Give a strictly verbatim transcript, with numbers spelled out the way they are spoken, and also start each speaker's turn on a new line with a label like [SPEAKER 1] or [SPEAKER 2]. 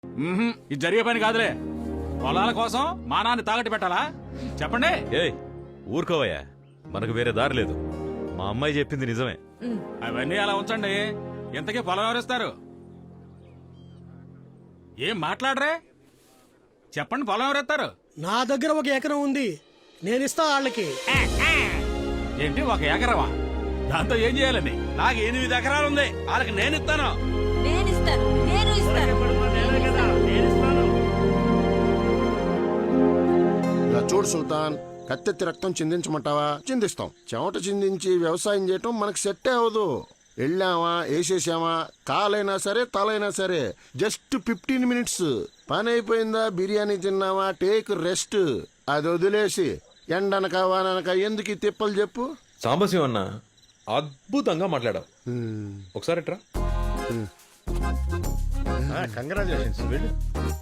[SPEAKER 1] మ్మ్హ్మ్. ఇది జరిగే పని కాదులే. పొలాల కోసం మానాన్ని తాగట్టు పెట్టాలా? చెప్పండి.
[SPEAKER 2] ఏయ్ ఊరుకోవయ్యా, మనకు వేరే దారి లేదు. మా అమ్మాయి చెప్పింది నిజమే.
[SPEAKER 1] అవన్నీ అలా ఉంచండి. ఇంతకీ పొలం ఎవరిస్తారు? ఏం మాట్లాడరే? చెప్పండి, పొలం ఎవరెత్తారు?
[SPEAKER 3] నా దగ్గర ఒక ఎకరం ఉంది, నేను ఇస్తా వాళ్ళకి.
[SPEAKER 1] ఏంటి ఒక ఎకరమా? దాంతో ఏం చేయాలని?
[SPEAKER 4] నాకు ఎనిమిది ఎకరాలు ఉంది, వాళ్ళకి నేను ఇస్తాను.
[SPEAKER 5] నేను ఇస్తాను, నేను ఇస్తాను.
[SPEAKER 6] ఇలా చూడు సుల్తాన్, కత్తెత్తి రక్తం చిందించమంటావా? చిందిస్తాం. చెమట చిందించి వ్యవసాయం చేయటం మనకు సెట్టే అవదు. వెళ్ళామా, వేసేసామా, కాలైనా సరే తలైనా సరే జస్ట్ ఫిఫ్టీన్ మినిట్స్ పని అయిపోయిందా, బిర్యానీ తిన్నావా, టేక్ రెస్ట్. అది వదిలేసి ఎండనక వాననక ఎందుకు ఈ తిప్పలు చెప్పు.
[SPEAKER 7] సాంబశివ అన్న అద్భుతంగా మాట్లాడావు. ఒకసారి ఎట్రా.
[SPEAKER 2] కంగ్రాచులేషన్స్. వెళ్ళు.